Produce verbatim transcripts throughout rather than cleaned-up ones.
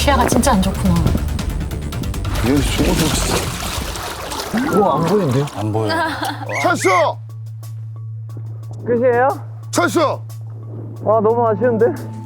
시야가 진짜 안 좋구나. 여기 죽어도 우와, 안 보이는데요? 안 보여. 찬스! 끝이에요? 찬스! 아, 너무 아쉬운데?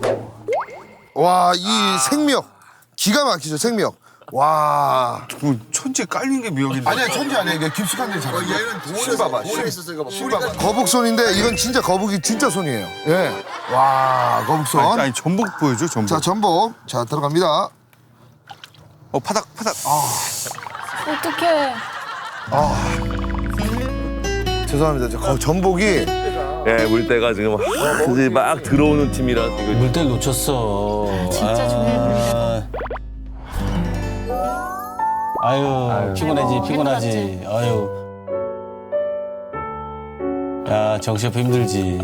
와, 이 생명. 기가 막히죠, 생명. 와. 뭐 천지 깔린 게 미역인데. 아니야, 천지 아니야. 이게 깊숙한 데 잡혀. 얘는 실 봐봐, 돌에 있었으니까 실 봐봐. 거북손인데 이건 진짜 거북이 진짜 손이에요. 예. 와, 거북손. 아니, 아니 전복 보여줘 전복. 자, 전복. 자, 들어갑니다. 어 파닥 파닥. 아 어떡해. 죄송합니다. 저 거- 전복이 예, 물때가 지금 이제 막 들어오는 팀이라 이거 물때를 놓쳤어. 진짜 중요해 보이네. 아유, 피곤하지, 피곤하지. 아유. 야, 정시업 힘들지.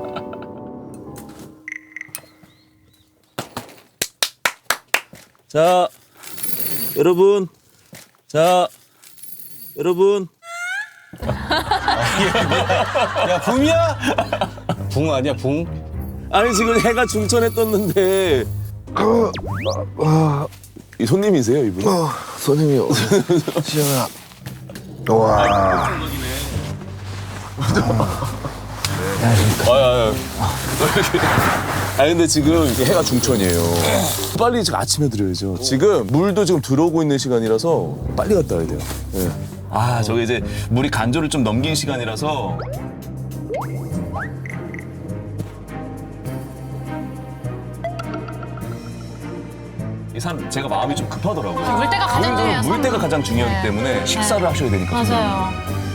자, 여러분. 자, 여러분. 야, 붕이야? 붕 아니야, 붕? 아니 지금 해가 중천에 떴는데 이 손님이세요, 이분? 어, 손님이요. 시영아. 와. 아유, 아 근데 지금 이게 해가 중천이에요. 빨리 지금 아침에 드려야죠. 지금 물도 지금 들어오고 있는 시간이라서 빨리 갔다 와야 돼요. 예. 아, 저게 이제 물이 간조를 좀 넘긴 시간이라서. 이 사람 제가 마음이 좀 급하더라고요. 물때가 가장 중요해요. 물때가 가장 중요하기 네. 때문에 식사를 하셔야 되니까. 맞아요.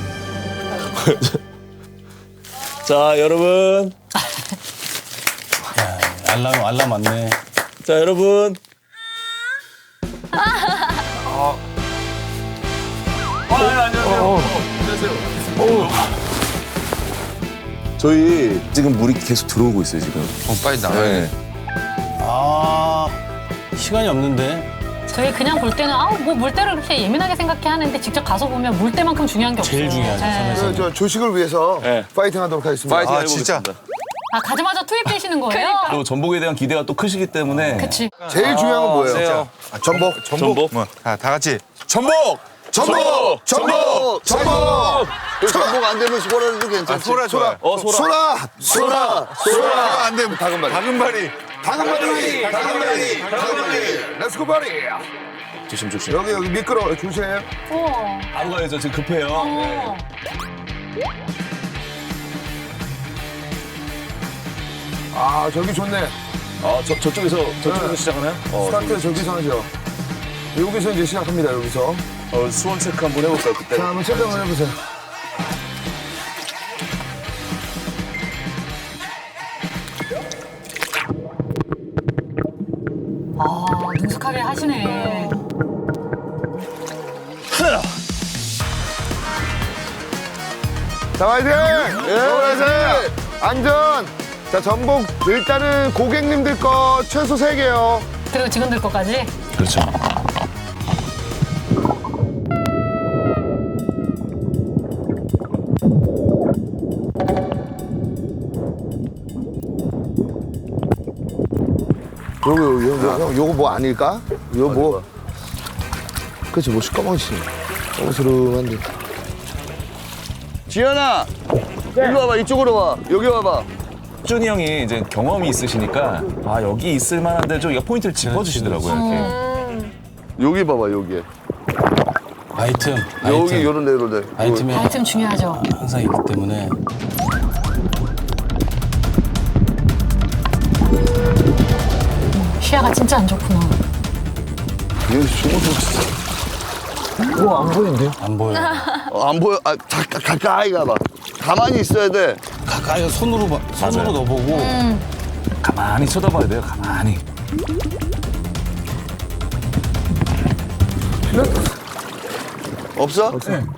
자, 여러분. 야, 알람, 알람 왔네. 자, 여러분. 아, 네, 안녕하세요. 안녕하세요. 저희 지금 물이 계속 들어오고 있어요, 지금. 어, 빨리 나와야 돼. 네. 아, 시간이 없는데. 저희 그냥 볼 때는 아우 뭐 물때를 그렇게 예민하게 생각해 하는데 직접 가서 보면 물때만큼 중요한 게 없어요. 제일 중요하죠, 네. 섬에서. 저, 저 조식을 위해서 네. 파이팅 하도록 하겠습니다. 파이팅 아, 진짜? 해보겠습니다. 아 가자마자 투입되시는 거예요? 그리고 전복에 대한 기대가 또 크시기 때문에. 그치. 제일 중요한 건 뭐예요? 세요. 아, 전복. 전복. 뭐, 아, 다 같이. 전복! 전복! 전복! 전복! 전복 안 되면 소라도 아, 괜찮지. 소라 좋아. 어, 소라. 소라! 소라! 소라 안 되면 다금바리. 다금바리. 다금바리! 다금바리! 다금바리! 렛츠고 바리! 조심, 조심. 여기 여기 미끄러워. 조심. 우와. 바로 가야죠. 지금 급해요. 어. 아, 저기 좋네. 아, 저, 저쪽에서, 저쪽에서 네. 시작하나요? 어, 스타트 저기서 하죠. 여기서 이제 시작합니다, 여기서. 어, 수원 체크 한번 해볼까요, 그때? 자, 한번 체크 한번 해보세요. 아 능숙하게 하시네. 자, 화이팅! 예, 화이팅! 안전! 자, 전복 일단은 고객님들 거 최소 세 개요. 그리고 직원들 거까지. 그렇죠. 요거, 요거, 요거, 형, 요거 뭐 아닐까? 요거 뭐. 그치, 뭐 시꺼먼지. 어스름한데. 지현아, 일로 와봐. 이쪽으로 와. 여기 와봐. 준이 형이 이제 경험이 있으시니까 아 여기 있을 만한데 좀 이거 포인트를 짚어주시더라고요 이렇게. 여기 봐봐. 여기. 아이템, 여기 아이템. 요런 데 요런 데. 아이템이 아이템 중요하죠. 항상 있기 때문에. 시야가 진짜 안 좋구나. 여기 죽어도 우와, 안 보이는데요? 안 보여. 어, 안 보여. 아, 가, 가, 가까이 가봐. 가만히 있어야 돼. 가까이 손으로, 봐- 손으로 맞아요. 넣어보고. 가만히 쳐다봐야 돼요 가만히. 없어?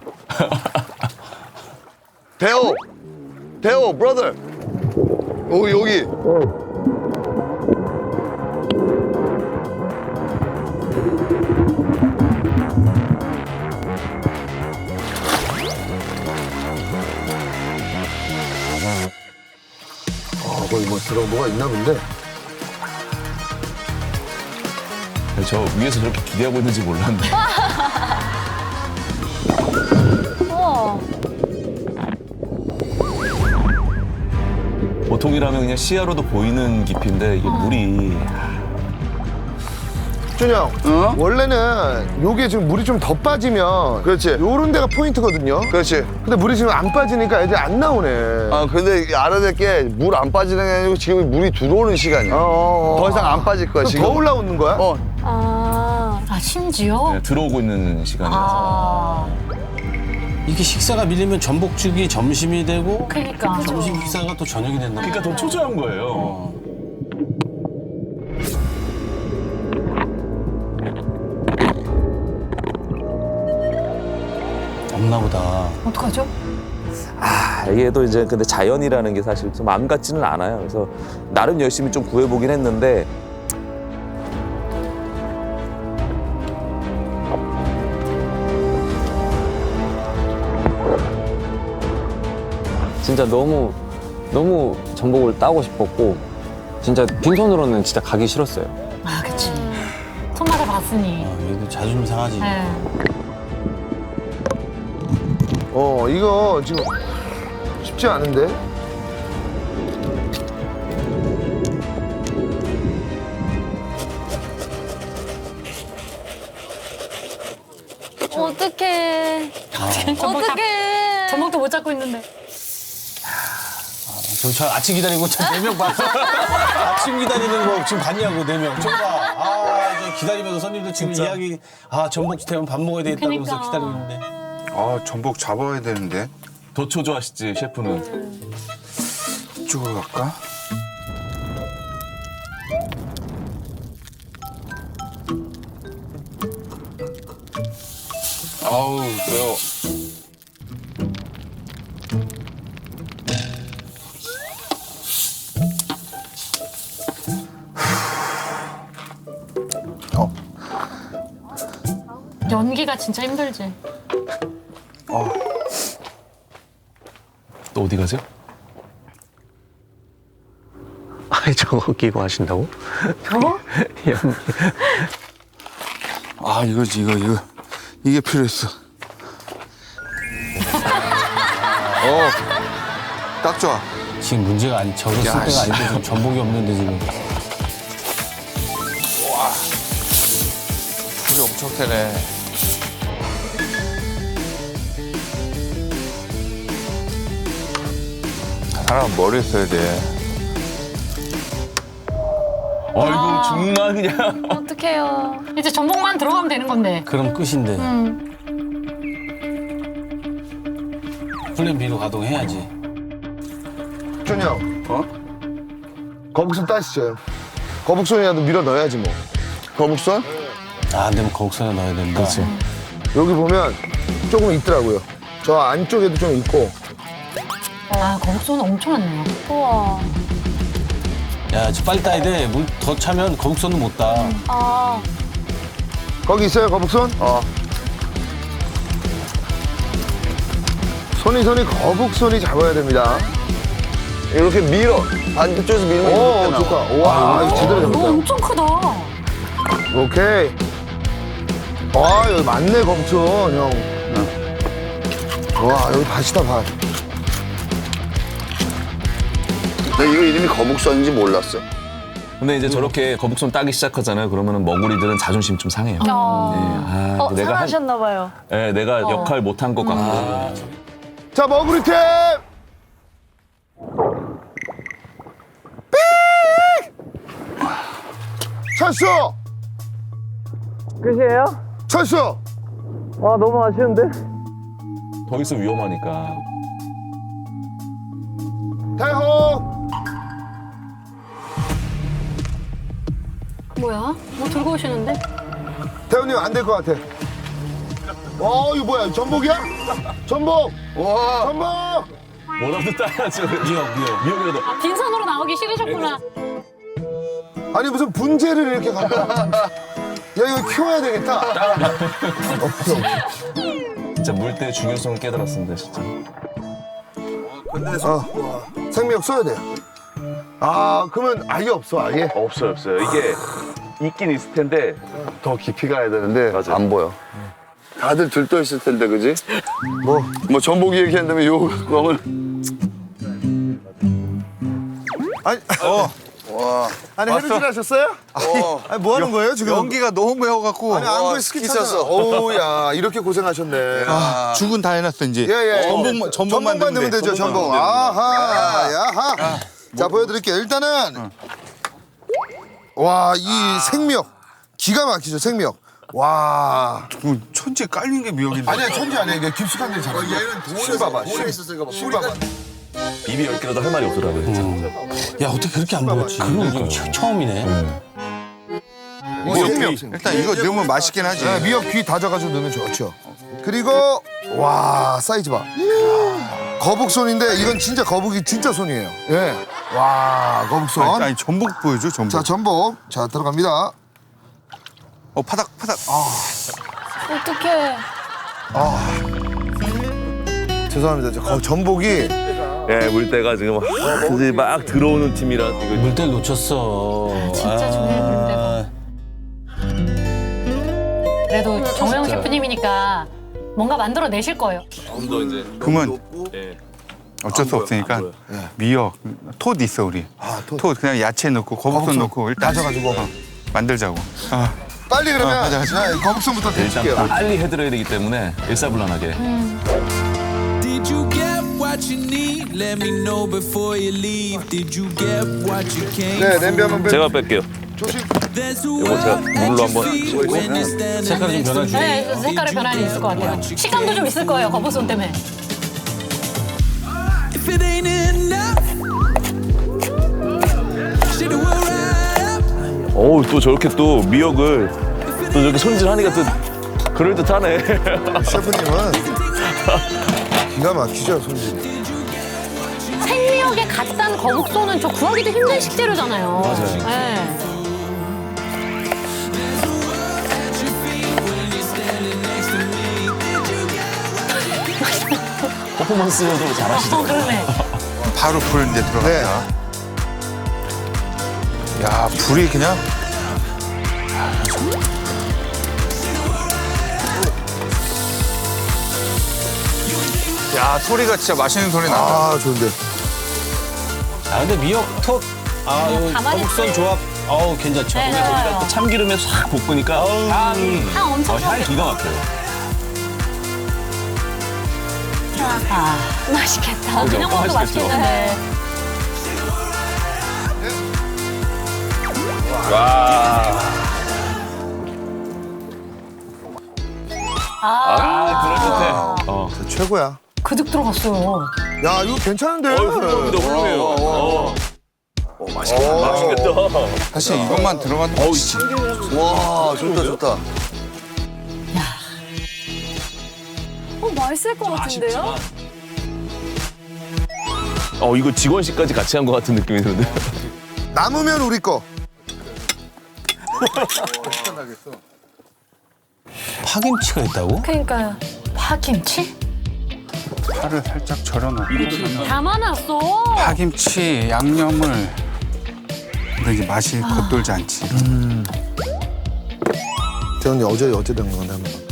대호. 대호, brother. 오, 여기. 아, 거기 뭐 들어, 뭐가 있나 본데? 저 위에서 저렇게 기대하고 있는지 몰랐네. 우와. 보통이라면 그냥 시야로도 보이는 깊이인데 이게 물이 준영, 원래는 요게 지금 물이 좀 더 빠지면 그렇지. 요런 데가 포인트거든요. 그렇지. 근데 물이 지금 안 빠지니까 애들이 안 나오네. 아 근데 알아야 될 게 물 안 빠지는 게 아니고 지금 물이 들어오는 시간이야. 어, 어, 어. 더 이상 안 빠질 거야 그럼 지금. 더 올라오는 거야? 어. 아, 아 심지어? 네, 들어오고 있는 시간이라서. 아, 이렇게 식사가 밀리면 전복죽이 점심이 되고 그러니까. 점심 식사가 또 저녁이 된다. 그러니까 더 초조한 거예요. 없나 보다. 어떡하죠? 아, 이게 또 이제 근데 자연이라는 게 사실 좀 마음 같지는 않아요. 그래서 나름 열심히 좀 구해보긴 했는데 진짜 너무 너무 전복을 따고 싶었고 진짜 빈손으로는 진짜 가기 싫었어요. 아, 그치. 손맛을 봤으니. 어, 얘도 자존심 상하지. 네. 어, 이거 지금 쉽지 않은데? 어떡해. 전복 잡- 어떡해. 전복도 못 잡고 있는데. 저, 저 아침 기다리고 저 네 명 봤어. 아침 기다리는 거 지금 봤냐고 네 명. 저거 봐. 아, 저 기다리면서 손님들 지금 이야기 아 전복 되면 밥 먹어야 되겠다 그러면서 그러니까. 기다리고 있는데. 아 전복 잡아야 되는데. 더 초조하시지 셰프는. 이쪽으로 갈까? 아우 매워. 어, 연기가 진짜 힘들지. 또 어디 가세요? 아니 저거 끼고 하신다고? 아 이거지 이거 이거 이게 필요했어. 어, 딱 좋아. 지금 문제가 아니 저거 쓸 야, 때가 씨. 아닌데 지금 전복이 없는데 지금. 불이 엄청 세네. 사람 머리에 써야 돼. 아이고 정말 그냥. 어떡해요. 이제 전복만 들어가면 되는 건데. 그럼 끝인데. 음. 플랜 B로 가동해야지. 준영. 어? 거북선 따시죠. 거북선이라도 밀어 넣어야지 뭐. 거북선? 아, 안 되면 거북선에 넣어야 된다. 그렇지. 여기 보면 조금 있더라고요. 저 안쪽에도 좀 있고. 아, 거북선은 엄청 많네요. 우와. 야, 저 빨리 따야 돼. 물 더 차면 거북선은 못 따. 아. 거기 있어요, 거북선? 어. 손이 손이 거북선이 잡아야 됩니다. 이렇게 밀어. 반대쪽에서 밀면 오, 이렇게 좋다. 나와. 와, 이거 제대로 너 잡았다. 엄청 크다. 오케이. 아, 여기 맞네, 거북선, 형. 와, 여기 밭이다, 밭. 나 이거 이름이 거북선인지 몰랐어. 근데 이제 저렇게 거북손 따기 시작하잖아요. 그러면은 머구리들은 자존심 좀 상해요. 네, 아, 어, 내가 한, 상하셨나봐요. 네, 내가 역할 못한 것 같고. 자, 머구리 팀! 삑! 철수! 끝이에요? 철수! 아 너무 아쉬운데? 더 있으면 위험하니까. 대호! 뭐야? 뭐 들고 오시는데? 대호님 안 될 것 같아. 어, 이거 뭐야? 전복이야? 전복! 와! 전복! 뭐라도 따야죠. 미역, 미역. 미역이라도. 아, 빈손으로 나오기 싫으셨구나. 아니, 무슨 분재를 이렇게 갖고. 와. 야, 이거 키워야 되겠다. 없어. 진짜 물때의 중요성을 깨달았습니다, 진짜. 어, 생명 써야 돼. 아, 그러면 아예 없어, 아예? 없어요, 없어요. 이게 있긴 있을 텐데 더 깊이 가야 되는데 맞아. 안 보여. 다들 들떠 있을 텐데, 그지? 뭐, 뭐 전복이 얘기한다면 요 꽝을. 아니, 어. 와. 아니 해루질 하셨어요? 어. 아니 뭐 하는 거예요 지금? 연기가 너무 매워갖고. 아니 안구에 어, 스키 스키 찼어. 찼어. 오야 이렇게 고생하셨네. 아, 죽은 다 해놨어 이제. 예예. 전복만 전복만 넣으면 되죠 전복. 아하 야하. 자 보여드릴게요. 일단은 와 이 생미역 기가 막히죠 생미역. 와. 그 천지에 깔린 게 미역인데. 아니야 천지 아니야 이게 깊숙한 데 잡아. 얘는 돌에 봐봐. 돌에 있었으니까 봐. 술 봐봐. 입이 열 개라도 할 말이 없더라고요. 야 어떻게 그렇게 안 보였지? 그러니까 처음이네. 이 생미역. 일단 이거 넣으면 맛있긴 하지. 네, 미역 귀 다져가지고 넣으면 좋죠. 그리고 와 사이즈 봐. 거북손인데 이건 진짜 거북이 진짜 손이에요. 예. 와 거북손. 아니, 아니 전복 보여줘 전복. 자 전복 자 들어갑니다. 어 파닥 파닥. 아. 어떡해. 죄송합니다. 저 거- 전복이 예, 물때가 지금 이제 막 들어오는 팀이라 이거 물때를 놓쳤어. 진짜 중요해, 물때가. 그래도 정호영 셰프님이니까 뭔가 만들어 내실 거예요. 좀더 이제 그러면 예. 어쩔 수 없으니까 안 보여. 미역, 톳 있어 우리. 아, 톳. 톳 그냥 야채 넣고 거북손 거북손 넣고 일단 다져가지고. 어, 만들자고. 아, 빨리 그러면 아, 맞아, 맞아. 네, 거북손부터 일단 드릴게요. 빨리 해드려야 되기 때문에 일사불란하게. Did you get what you need? Let me know before you leave. Did you get what you came 네 냄비 한번 빼. 제가 뺄게요. 조심. There's a 이거 제가 world at 물로 your 한번 feet when you're standing 색깔이 좀 next to 변하지. me. 네, 색깔의 변화는 있을 것 같아요. 식감도 좀 있을 거예요, 거북손 때문에. If it ain't enough, shit will right up. 어우 또 저렇게 또 미역을 또 저렇게 손질하니까 또 그럴 듯하네. 셰프님은 기가 막히죠 손질. 생미역에 갓 단 거북손은 저 구하기도 힘든 식재료잖아요. 맞아요. 네. 퍼포먼스도 잘하시죠. 어, 그러네. 바로 불 이제 들어간다. 네. 야 불이 그냥. 야 소리가 진짜 맛있는 소리 난다. 아 좋은데. 아 근데 미역 톳, 아 이거 가만히 거북선 있어요. 조합, 어우 괜찮죠. 네, 거기다 좋아요. 또 참기름에 싹 볶으니까 향이 향 엄청 어, 향이 좋아요. 기가 막혀요. 아, 맛있겠다. 그죠? 그냥 먹어도 맛있겠죠? 맛있겠는데. 와. 아, 그럴 듯해. 어. 최고야. 그득 들어갔어요. 야 이거 괜찮은데. 어, 훌륭합니다, 훌륭해요. 어. 어, 맛있겠다. 맛있겠다. 사실 이것만 들어가도 맛있지. 와, 좋다, 좋다. 어, 맛있을 것 같은데요? 어, 이거 직원식까지 같이 한 것 같은 느낌이 드는데. 남으면 우리 거. 파김치가 있다고? 그러니까요. 파김치? 파를 살짝 절여놓고 담아놨어. 파김치 양념을. 근데 이제 맛이 겉돌지 않지. 대현이 어제 어제 된 건데 한번.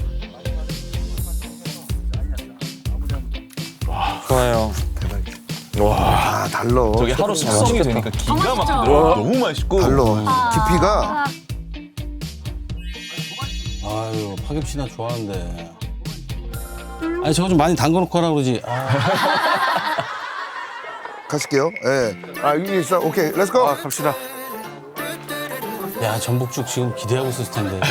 좋아요. 아 달러. 저게 하루 숙성이 되니까 기가 막히더라고요. 너무 맛있고. 달러. 깊이가 아유 파김치나 좋아하는데. 아니 저거 좀 많이 담궈놓고 하라 그러지. 아, 가실게요. 예. 아 여기 있어. 오케이. 렛츠고. 아 갑시다. 야 전복죽 지금 기대하고 있었을 텐데.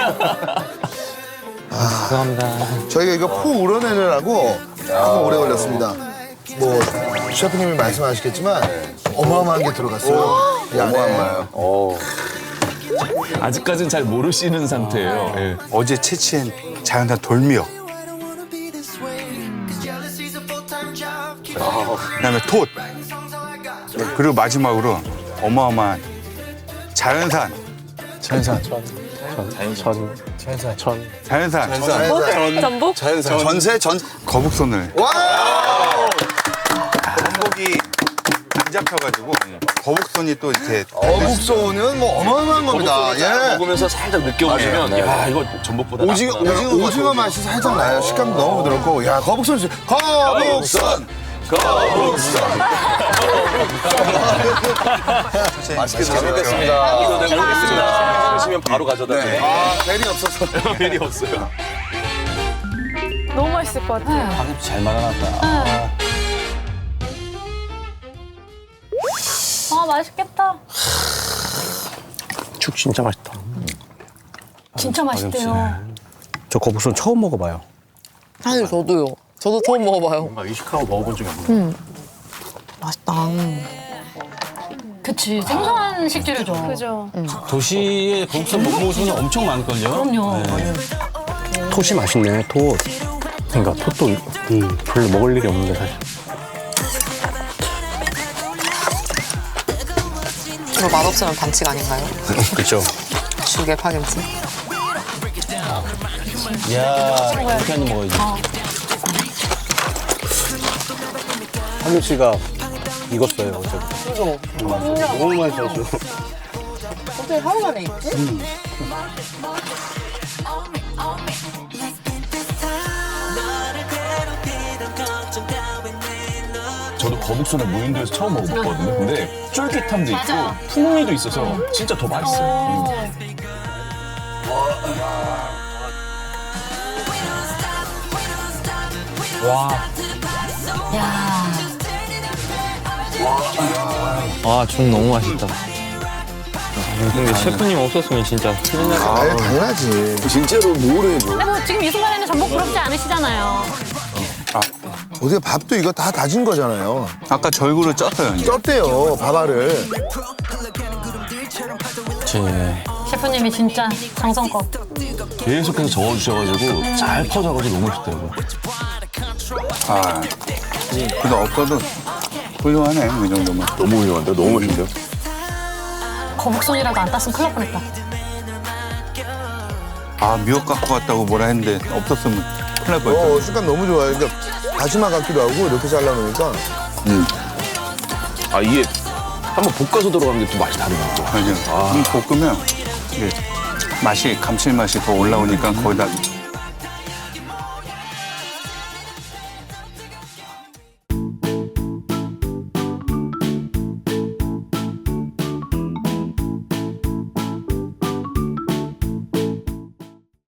죄송합니다. 저희가 이거 포 우러내느라고 조금 오래 걸렸습니다. 뭐 셰프님이 말씀하시겠지만 어마어마한 게 들어갔어요. 이 안에. 어. 아직까지는 잘 모르시는 상태예요. 예. 어제 채취한 자연산 돌미역. 그다음에 톳. 그리고 마지막으로 어마어마한 자연산. 자연산. 자연산. 자연산. 전복? 전세, 전. 거북손을. 와! 전복이 잡혀가지고 거북손이 또 이렇게 어묵소는 뭐 어마어마한 겁니다. 예. 먹으면서 살짝 느껴보시면 야 이거 전복보다 오징어, 낫구나. 오징어, 오징어 맛이 살짝 나요. 식감도 너무 부드럽고. 야, 거북선, 씨. 거북선! 거북선. 맛있게 잘 먹겠습니다. 이거 잘 먹겠습니다. 드시면 바로 가져다 드려요. 아, 벨이 없어서. 벨이 없어요. 너무 맛있을 것 같아요. 파김치 잘 말아놨다. 아, 맛있겠다. 죽 진짜 맛있다. 진짜 맛있대요. 저 거북선 처음 먹어봐요. 사실 저도요. 저도 처음 먹어봐요. 뭔가 의식하고 먹어본 적이 없는데. 맛있다. 그치, 생소한 식재료죠. 그죠. 도시에 거북선 못 먹으시면 엄청 많을걸요? 그럼요. 톳이 맛있네, 톳. 그러니까 톳도 음, 별로 먹을 일이 없는데 사실. 이거 맛없으면 반칙 아닌가요? 그렇죠. 죽에 파김치. 이야, 이렇게 한입 먹어야지. 파김치가 익었어요, 어차피. 이거. 너무 맛있어서. 어떻게 하루 만에 있지? 저도 거북손을 무인도에서 처음 먹어봤거든요. 근데 쫄깃함도 맞아. 있고 풍미도 있어서 진짜 더 맛있어요. 음. 야, 아, 죽 너무 맛있다. 근데 셰프님 없었으면 진짜 큰일 날 아, 당연하지. 진짜로 모르죠. 근데 뭐 지금 이 순간에는 전복 부럽지 않으시잖아요. 어떻게 밥도 이거 다 다진 거잖아요. 아까 절구를 쪘어요. 이제. 쪘대요, 밥알을. 셰프님이 진짜 정성껏. 계속해서 저어주셔가지고 잘 퍼져가지고 너무 맛있더라고요. 아, 그래도 없어도 훌륭하네, 이 정도면. 너무 훌륭한데? 너무 맛있는데요? 거북손이라도 안 땄으면 큰일 날 뻔했다. 아, 미역 갖고 왔다고 뭐라 했는데 없었으면 큰일 날 뻔했어. 어, 식감 너무 좋아요. 그러니까 다시마 같기도 하고 이렇게 잘라놓으니까. 아 이게 한번 볶아서 들어가는 게 또 맛이 다르더라고요. 맞아. 아. 볶으면 이게 맛이, 감칠맛이 더 올라오니까 거기다